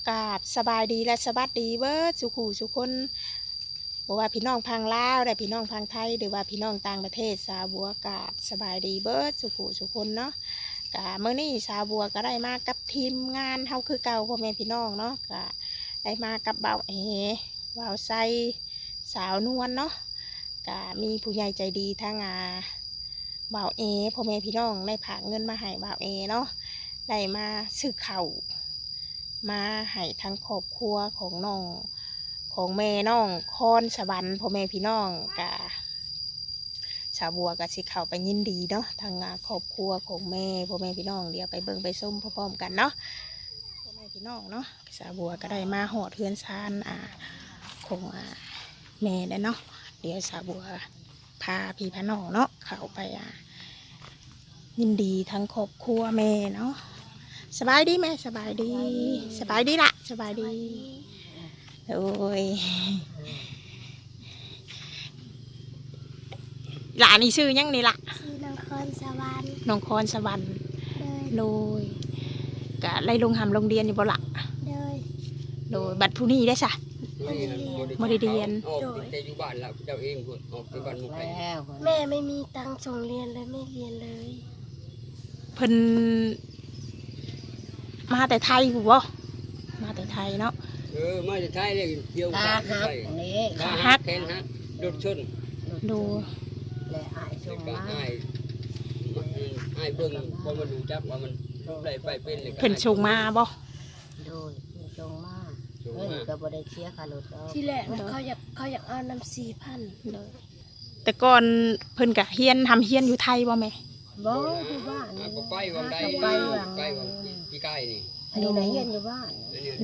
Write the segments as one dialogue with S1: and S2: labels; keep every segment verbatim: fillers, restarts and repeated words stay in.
S1: กราบสบายดีและสวัสดีเบิร์ดสุขูสุคนบอกว่าพี่น้องพังลาวและพี่น้องพังไทยหรือว่าพี่น้องต่างประเทศสาวบัวกราบสบายดีเบิร์ดสุขูสุคนเนาะกะเมื่อนี้สาวบัวก็ได้มากับทีมงานเฮาคือเก่าพ่อแม่พี่น้องเนาะกะได้มากับเบาเอเบาไซสาวนวลเนาะกะมีผู้ใหญ่ใจดีทั้งอาเบาเอพ่อแม่พี่น้องได้ผากเงินมาให้เบาเอเนาะได้มาซื้อเข่ามาให้ทั้งครอบครัวของน้องของแม่น้องคอนสวรรค์พ่อแม่พี่น้องกะชาวบัวกับสิเข้าไปยินดีเนาะทางครอบครัวของแม่พ่อแม่พี่น้องเดี๋ยวไปเบิ่งไปส้มพร้อมๆกันเนาะพ่อแม่พี่น้องเนาะชาวบัวก็ได้มาหอดเทือนซานอ่าของอ่าแม่ได้เนาะเดี๋ยวชาวบัวพาพี่พาน้องเนาะเข้าไปอ่ายินดีทั้งครอบครัวแม่เนาะสบายดีไหมสบายดีสบายดีละสบายดีโอ้ยหลานนี่ชื่อยังนี่ละ
S2: ชื่อน้องคอนสวรรค์
S1: น้องคอนสวรรค์โดยกะไล่ลงหำลงเรียนอยู่บ่ละ
S2: โดย
S1: โดยบัดผู้นี้ได้สะบ่ได้เรียน
S3: โดยแต่อยู่บ้านแล้วเจ้าเองพุ่นออกไปบ้านมุกแล้ว
S2: แม่ไม่มีตังค์ส่งเรียนเลยไม่เรียนเลย
S1: เพิ่นมาแต่ไทยกูบ่มาแต่ไทยเนาะ
S3: เออมาแต่ไทยเลยเที่ยวขาหักนี่
S1: ขาหัก
S3: แขนหักรถชน
S1: ดู
S4: และอายชมมา
S3: อายอายเบิ่งพอมาดูจับว่ามันได้ไปเป็นเลย
S1: เพิ่นส่งมาบ่
S4: โดยชงมาเงินก็บ่ได้เสียค่ารถเอา
S2: ที่แรกเขาอยากเขาอยากเอานำสี่พัน
S1: แต่ก่อนเพิ่นก็เฮียนทำเฮียนอยู่ไทยบ่แม่
S4: บ่อยู่บ้าน
S3: ก็ไปวังใดไปไปวังพี่ใกล้นี่
S4: อันนี้น่ะเฮียนอยู่บ้าน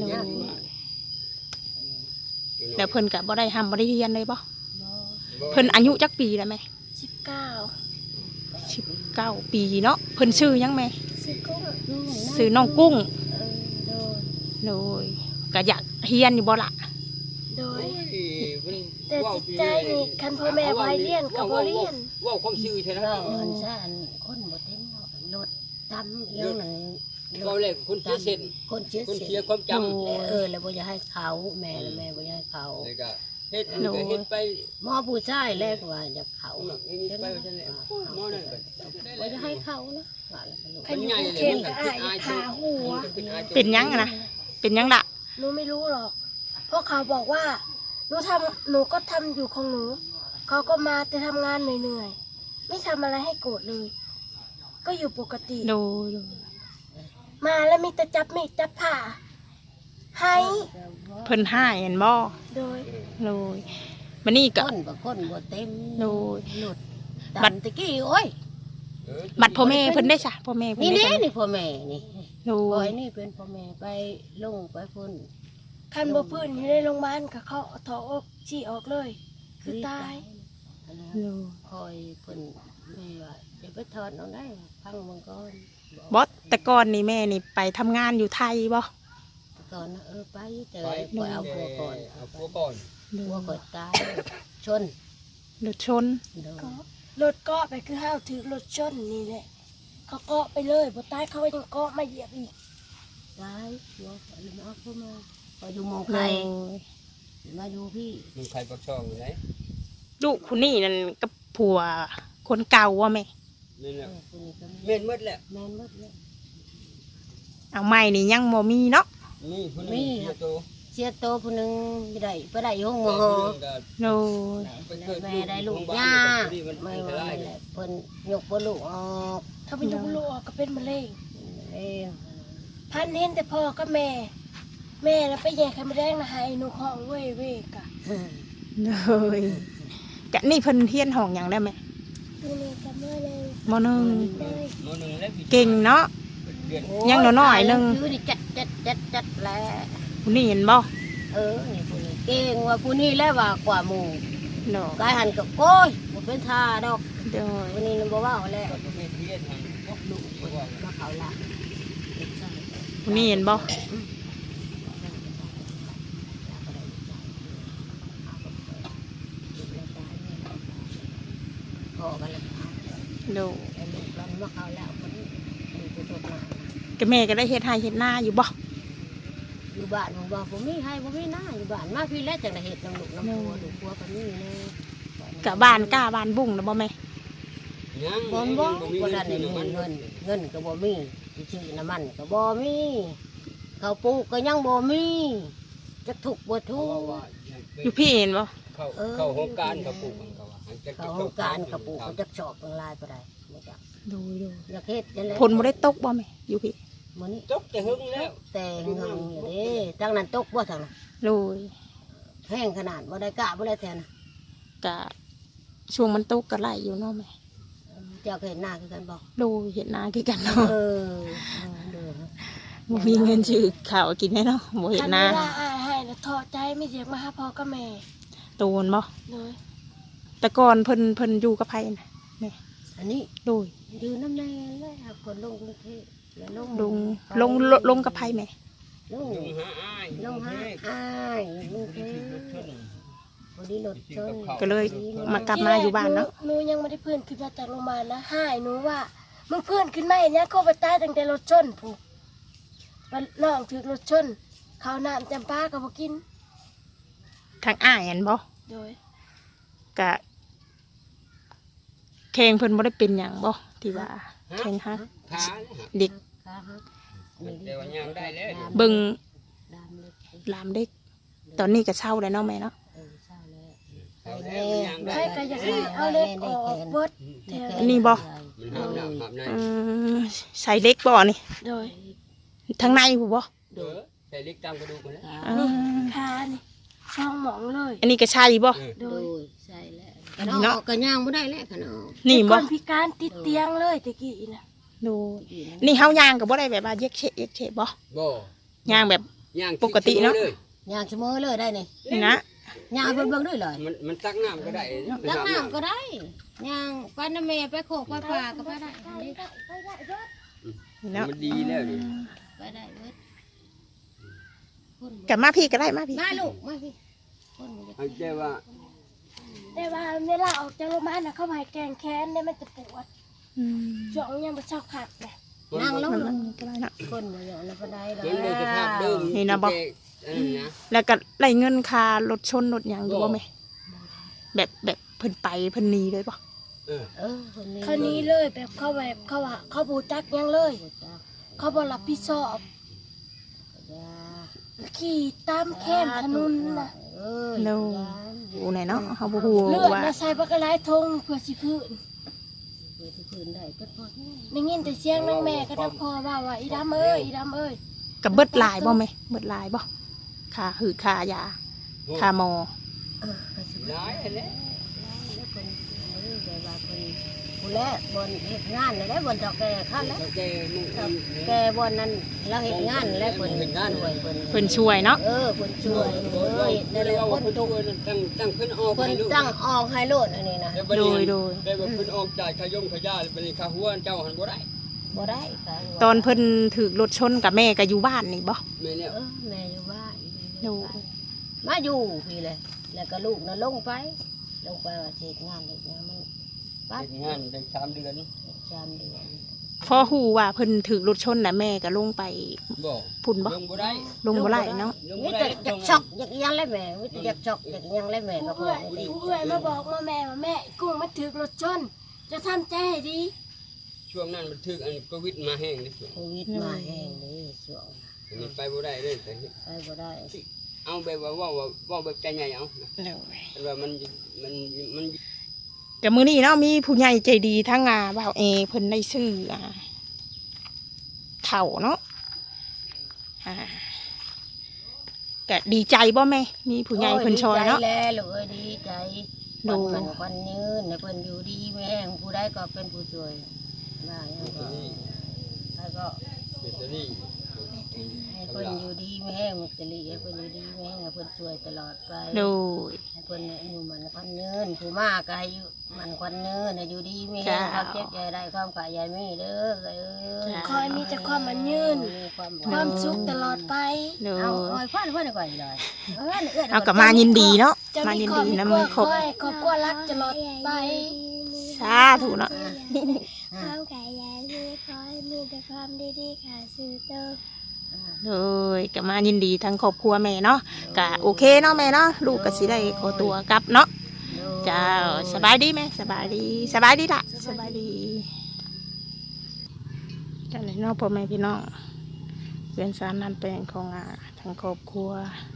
S1: แล้วเพิ่นก็บ่ได้ทำบ่ได้เฮียนเลยบ่เพิ่นอายุจักปีแล้วแม่
S2: สิบเก้า
S1: สิบเก้าปีเนาะเพิ่นชื่อยังแม่
S2: ชื่อกุ้ง
S1: ชื่อน้องกุ้ง
S2: โดย
S1: โดยก็อยากเฮียนอยู่บ่ล่ะ
S2: โดยแต่จิตใจนี่คันพ่อแม่ไว้เรียนก็บ่เรียน
S3: ว่าความซื่อใช่ไหม
S4: อันซ่านคนบ่เต็มรถตำเอียงนั่น
S3: เราเล่นคนเสียเส้น
S4: คนเสีย
S3: คนเสียความจ
S4: ำเออแล้วบ่อยากให้เขาแม่แม่บ่อยากให้เขา
S3: เฮ็ดเฮ็ดไป
S4: หมอผู้ชายแรกว่าอยากเขา
S3: ไปจังได๋หมอนั่น
S4: บ่อยากให้เขานะ
S2: คันอยู่เข็มก็อายขาหัว
S1: เป็นยังนะเป็นยังล่ะ
S2: หนูไม่รู้หรอกเพราะเขาบอกว่าหนูทำหนูก็ทำอยู่ของหนูเขาก็มาแต่ทำงานเหนื่อยๆไม่ทำอะไรให้โกรธเลยก็อยู่ปกติ
S1: ดู
S2: มาแล้วมีแต่จับมีดจับผ้าให้
S1: เพิ่นให้เห็นบ่
S2: โดย
S1: โดยมันนี่ก็
S4: คนบ่คนบ่เต็ม
S1: โดย
S4: หลุดบัตรตะกี้โอ้ย
S1: บัตรพ่อแม่เพิ่นได้จ้ะพ่อแม่
S4: นี่นี่นี่พ่อแม่นี่
S1: โดย
S4: นี่เป็นพ่อแม่ไปลงไปพุ่น
S2: คันบ่พื้นอยู่ในโรงพยาบาลก็เขาถอดออกชี้ออกเลยคือตาย
S4: คอยเพิ่นแม่ว่าจะไปถอดเอาได้พังมังกร
S1: บ่แต่ก่อนนี่แม่นี่ไปทำงานอยู่ไทยบ่
S4: ก่อนเออไปแต่ปล่อยเอาผัวก่อน
S3: เอาผัวก่อน
S4: ผัวก่อนตายชน
S1: รถชน
S2: รถเกาะไปคือห้าวถือรถชนนี่แหละเขาเกาะไปเลยบ่ตายเขายังเกาะมาเหยียบอีก
S4: ตายผัวลืมเอาเข้ามาพออยู่มองใครมาอยู่พี่
S3: มึงใครปักช่องอยู่ไหน
S1: ลูกคนนี้นั่นกับผัวคนเก่าว่ะแม่
S3: นี่แหละแม่นหมดแหละ
S4: แม่นหมดแล้ว
S1: เอาใหม่นี่ยังบ่มีเนาะ
S3: นี่ผู้นึงเสียโต
S4: เสียโตผู้นึงไม่ได้ไปได้ห้องหมอ
S1: โน่
S4: แม่ได้ลูกยาไม่ว่าเพิ่นยกบ่ลูกออก
S2: ถ้าเป็นยกลูกออกก็เป็นมะเร็งพันเห็นแต่พ่อกับแม่แม่แล้วไปแย่ไข่มดแดงนะให้หนูของเว้ยเว้ยกะ
S1: เลยกะนี่เพิ่นเฮียนห้องหยังได้ไหมมอนึงเก่งเนาะยังน้อยๆนึง
S4: จัดจัดจัดจัดแล้ว
S1: ผู้นี้เห็นบ่
S4: เออนี่ผู้นี้เก่งว่าผู้นี้แล้วว่ากว่าหมู่เนาะกายหันกับโอ้ยบ่เป็นท่าดอก
S1: เด้อ
S4: ผู้นี้บ่ว่าแล้วมาเขาละ
S1: ผู้นี้เห็นบ่
S4: พอกันแล้ว
S1: ดู
S4: เรามาเขาแล้วคนนี้
S1: ก็แม่ก็ได้เฮ็ดให้เฮ็ดหน้าอยู่บ่
S4: มอยู่บ้านผมบอกผมมีให้ผมมีหน้าอยู่บ้านมาพี่แล้วจังได้เห็ดน้ำลูกน้ำพัวลูกพัวกันนี่เลย
S1: กะบ้านกล้าบ้านบุ้งนะบ่แม่
S3: ยัง
S4: บ่บ่บ่ได้
S3: เงิ
S4: เงิ
S3: น
S4: นเงินเงินก็บ่มีชื่อน้ำมันก็บ่มีข้าวปลูกก็ยังบ่มีจะถูกบ่ถูก
S1: อยู่พี่เห็นบ่
S3: เข้าเข้าโครงการเขาปลูกเขาว่า
S4: เขาโครงการข้าวปลูกก็จะชอบเป็นลายไปได้บ่จัก
S1: ดูดู
S4: อยากเฮ็ดจังได๋
S1: ผลบ่ได้ตกบ่แม่อยู่พี่
S4: มื้อนี้
S3: ตกแต่หึงแล้ว
S4: แต่งเฮงอยู่เด้จังนั้นตกบ่ทางนั้น
S1: ดู
S4: แห้งขนาดบ่ได้กะบ่ได้แทน
S1: กะช่วงมันตกก็ไหลอยู่เนาะแม่
S4: เจ้าเคยเห็นหน้าคือกันบ่
S1: ดูเห็นหน้าคือกันเนาะ
S4: เออเด้อ
S1: บ่มีเงินซื้อข้าวกินแน่เนาะบ่เห็นหน้า
S2: คัเวลาอายให้แล้วท้อใจไม่เรียกมาหาพ่อกับแม่
S1: โตนบ่
S2: เลย
S1: แต่ก่อนเพิ่นเพิ่นอยู่กับไผน่ะแม่
S4: อันนี้
S1: ดู
S4: อยู่น้ำแน่เลยหาคนลงกรุงเทพแล้วลง
S1: ลงลงลงลงกับไผแม่
S4: ลง
S3: ลงหาอ้าย
S4: ลงหาอ้ายกรุงเทพพอดีรถชน
S1: ก็เลยมากลับมาอยู่บ้านเนาะ
S2: หนูยังไม่ได้เพื่อนขึ้นมาจากโรงพยาบาลนะให้หนูว่ามึงเพื่อนขึ้นมาอย่างเนี้ยเขาไปตายตั้งแต่รถชนผูกมันน้องถือรถชนข้าวน้ำจำปาก็บ่กิน
S1: ทางอ้ายอันบ่
S2: โดย
S1: กะแข่งเพิ่นบ่ได้เป็นหยังบ่ที่ว่าแข่งฮัก
S3: ขา
S1: เด็ก
S4: ขาหัก
S3: แต่ว่ายังได้แล้ว
S1: เบิ่ง
S4: ดามเล็ก
S1: หลามเด็ก ตอนนี้ก็เช่าแล้วเนาะแม่เนาะ
S4: เออเศร้าแล้ว
S3: เขาแล้วยัง
S2: ใคร
S3: ได้
S2: ก็อยากให้เอาเล็กออกเบิดแถว
S1: อันนี้บ่
S3: มันหามน้ำหามใน
S1: อืมใส่เล็กบ่นี่
S2: โดย
S1: ทางในผู้บ่
S3: เออใส่เล็กตามกระดูกมาแล้ว
S1: อ่า
S2: นี่คานี่ช่องหมองเลย
S1: อันนี้ก็ใช่บ่
S3: เออ
S2: โด
S4: โด
S2: ย
S4: ยใช่แล้ว
S1: อันนี้เนาะ
S4: ออกก็ย่างบ่ได้แล้วขนาด
S1: นี่
S2: ค
S1: บ่
S2: นพิการติดเตียงเลยตะกี้นะ
S1: ดูนี่เฮาย่างก็บ่ได้แบบว่าเย็กเชะเย็กเชะบ่
S3: บ่
S1: ย่างแบบ
S3: ย่าง
S1: ปกติเนาะ
S3: เลย
S4: ย่างเสมอเลยได้นี่
S1: นี่นะ
S4: ย่างเบิ่งเบิ่งด้วยเลย
S3: มันมันตักน้ำก็ได้
S4: ตักน้ำก็ได้ย่างไปน้ำแม่ไปโคกไปปลาก็ไปได้อันนี้
S1: นี่เนาะ
S3: มันดีแล้วนี่
S4: ไปได้เบิดคน
S1: กลับมาพี่ก็ได้มาพี่
S4: มาลูกมาพี่คนบ่
S3: เอาใจว่า
S2: แต่ว่าเวลาออกจากโรงพยาบาลนะเขาให้แกงแค้นเนี่ยมันจะปวด
S1: อืม
S2: ช่วงยังไม่เช่าขัดนะ
S4: นั่งลง
S1: มันมันก็ได้เนาะ
S4: คนบ่ยอมแล้วก็ได้แล้
S3: มันเป็นสภาพเดิม
S1: นี่นะบ่
S3: เออนะ
S1: แล้วก็ได้เงินค่ารถชนรถหยังอยู่บ่แม่แบบแบบเพิ่นไปเพิ่นหนีเลยบ่
S3: เออ
S4: เออคนนี้
S2: เขานี้เลยแบบเขาแบบเขาว่าเขาบูจักยังเลย เขาบอรับผิดชอบขี่ตามแคมถนนน่ะ
S4: เออ
S1: โนอยู่ไหนเนาะเฮาบ่ฮู้
S2: เลือด
S1: ว่า
S2: มาใส่บักกะไลทงเพื่อสิพื้น
S4: เปิดที่พื้นได้ก็พอ
S2: ได้ยินแต่เสียงนางแม่ก็ทักพ่อว่าว่าอีดำเอ้ยอีดำเอ้ย
S1: ก็เบิดหลายบ่แม่เบิดหลายบ่ค่าหือค่ายาค่าหมอ
S4: เออไปสิ
S3: ร้ายแล้ว
S4: แล้วคนเออแบบว่าคนผู้แลบนเฮ็ดงานแล้วบนเจอกแก่ขั้นแล้ว
S3: แล้วแกมึง
S4: แกบนนั้นเราเฮ็ดงานแล้วเพิ่นช่วยเพิ่น
S1: เพิ่นช่วยเนาะ
S4: เออเพิ่นช่วยเออได้แล้วคนตุก
S3: ตั้งตั้งเพิ่นออก
S4: เพิ่น
S3: ให้ลูก
S4: ตั้งออกให้โลดอันนี้นะ
S1: โดยโดย
S3: ได้แบบเพิ่นออกจ่ายขยงขยาเป็นค่าหัวเจ้าหันบ่ได้
S4: บ่ได้ค่ะ
S1: ตอนเพิ่นถูกรถชนกับแม่ก็อยู่บ้านนี่บ่
S3: แม่เนี่ย
S4: เออแม่อยู่บ้าน
S1: โดย
S4: มาอยู่พี่เลยแล้วก็ลูกน่ะลงไป ลงไปว่าเฮ็ดงานเฮ็ดงานมันปั๊บ
S3: เฮ็ดงานได้สามเดือน
S4: จามเดือน
S1: พอฮู้ว่าเพิ่นถูกรถชนน่ะแม่ก็ลงไป
S3: บ่
S1: พุ่นบ่
S3: ลงบ่ได้
S1: ลงบ่ได้เนาะ
S3: ลง
S4: มี
S3: บ่
S4: แต่
S3: ได้
S4: อยากช็อกอยากอิหยังเลยแม่มีแต่อยากช็อกอยากอิหยังเลยแม่ก็
S2: ผู้
S4: พอ
S2: เอื้อยผู้เอื้อยมาบอกว่าแม่ว่าแม่กุ้งมันถือรถชนจะทำใจให้ดี
S3: ช่วงนั้นมันถึกอันโควิดมาแห้งนี่
S4: โควิดมาแห้งเลยช่วง
S3: มันไปบ่ได้เลยแต่
S4: ไปบ่ได้
S3: เอาแบบว่าว่าว่าแบบใจใหญ่เอาแต่ว่ามันมันมัน
S1: ก็มื้อนี้เนาะมีผู้ใหญ่ใจดีทั้งอ่าบ่าวเอเพิ่นได้ซื้ออ่าข้าวเนาะอ่าก็ดีใจบ่แม่มีผู้ใหญ่เพิ่นช่วยเนาะ
S4: โดีใจแล้วลูกเอ้ยดีใจ
S1: ดู
S4: วันมันวันยืนให้เพิ่นอยู่ดีแม่งผู้ใดก็เป็นผู้ช่วยมาอย่างก็แล้วก็
S3: แบตเตอรี่
S4: ให้เพิ่นอยู่ดีแม่งมุกตลีให้เพิ่นอยู่ดีแม่งให้เพิ่นช่วยตลอดไป
S1: โดย
S4: ให้เพิ่นอยู่มันควันเนินผู้มากก็ให้อยู่มันควันเนินให้อยู่ดีแม่ง
S1: จ้า
S4: ความเจ็บใจได้ความขายยายมีเด้อเอ้ย
S1: จ้า
S2: คอยมีแต่ความมันยืน
S4: มีความ
S2: ความสุขตลอดไป
S1: โด
S4: เอา
S1: ย
S4: เอาฟันเพิ่นก่อนเลยเออเอื้อน
S1: เอากลับมายินดีเนาะ
S2: จะ
S1: มา
S2: มี
S1: ยิน
S2: ครอบ
S1: ดี
S2: มี
S1: นะ
S2: ครั
S1: มั
S2: วน
S1: ครบ
S2: คอยครอบครัวรักตลอดไป
S1: สาธุเนาะ
S2: ความขายยายที่คอยมีแต่ความดีๆค่ะสื่อเติม
S1: เลยก็มายินดีทั้งครอบครัวแม่เนาะก็โอเคเนาะแม่เนาะลูกก็สิได้ขอตัวกลับเนาะเจ้าสบายดีไหมสบายดีสบายดีละสบายดีจังเลยเนาะพ่อแม่พี่น้องเพื่อนสารนันแปลงของอ่าทั้งครอบครัว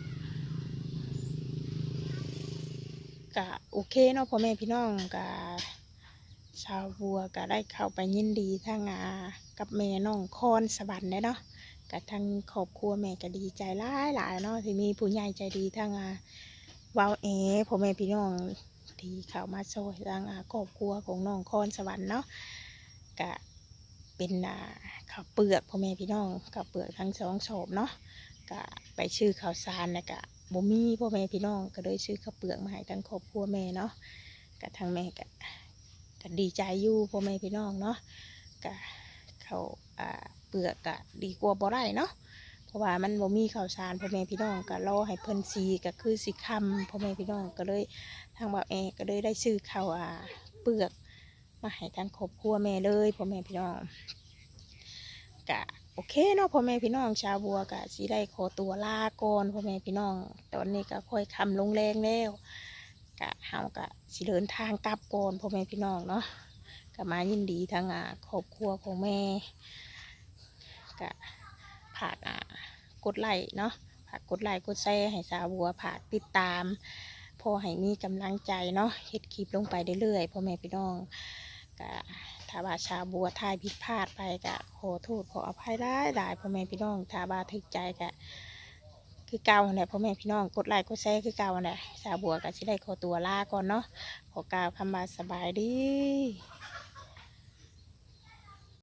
S1: ก็โอเคเนาะพ่อแม่พี่น้องก็ชาวบัวก็ได้เข้าไปยินดีทั้งอากับแม่น้องคอนสวรรค์เนาะกับทั้งครอบครัวแม่ก็ดีใจหลายหลายเนาะที่มีผู้ใหญ่ใจดีทั้งอาวาวเอพ่อแม่พี่น้องที่เข้ามาช่วยทั้งอาครอบครัวของน้องคอนสวรรค์เนาะก็เป็นอ่าข้าวเปลือกพ่อแม่พี่น้องข้าวเปลือกทั้งสองโฉบเนาะก็ไปชื่อข้าวสารนะก็บ่มีพ่อแม่พี่น้องก็เลยซื้อข้าวเปลือกมาให้ทั้งครอบครัวแม่เนาะก็ทางแม่ก็ก็ดีใจอยู่พ่อแม่พี่น้องเนาะก็เขาอ่าเปลือกก็ดีกว่าบ่ได้เนาะเพราะว่ามันบ่มีข้าวสารพ่อแม่พี่น้องก็รอให้เพิ่นซีก็คือสิค่ำพ่อแม่พี่น้องก็เลยทางบ่าวแอก็เลยได้ซื้อข้าวอ่าเปลือกมาให้ทั้งครอบครัวแม่เลยพ่อแม่พี่น้องก็โอเคเนาะพ่อแม่พี่น้องชาวบัวก็สิได้ขอตัวลาก่อนพ่อแม่พี่น้องตอนนี้ก็ค่อยค่ำลงแรงแล้วก็เฮาก็สิเดินทางกลับก่อนพ่อแม่พี่น้องเนาะก็มายินดีทั้งอ่าครอบครัวของแม่ก็ผากอ่ากดไลค์เนาะผากกดไลค์กดแชร์ให้ชาวบัวผากติดตามพอให้มีกำลังใจเนาะเฮ็ดคลิปลงไปเรื่อยๆพ่อแม่พี่น้องก็ถ้าว่าชาวบัวทายผิดพลาดไปก็ขอโทษขออภัยได้ได้พ่อแม่พี่น้องถ้าว่าถึกใจก็คือเก่าเนี่ยพ่อแม่พี่น้องกดไลค์กดแชร์คือเก่าเนี่ยชาวบัวก็สิได้ขอตัวลาก่อนเนาะขอกล่าวคำว่าสบายดี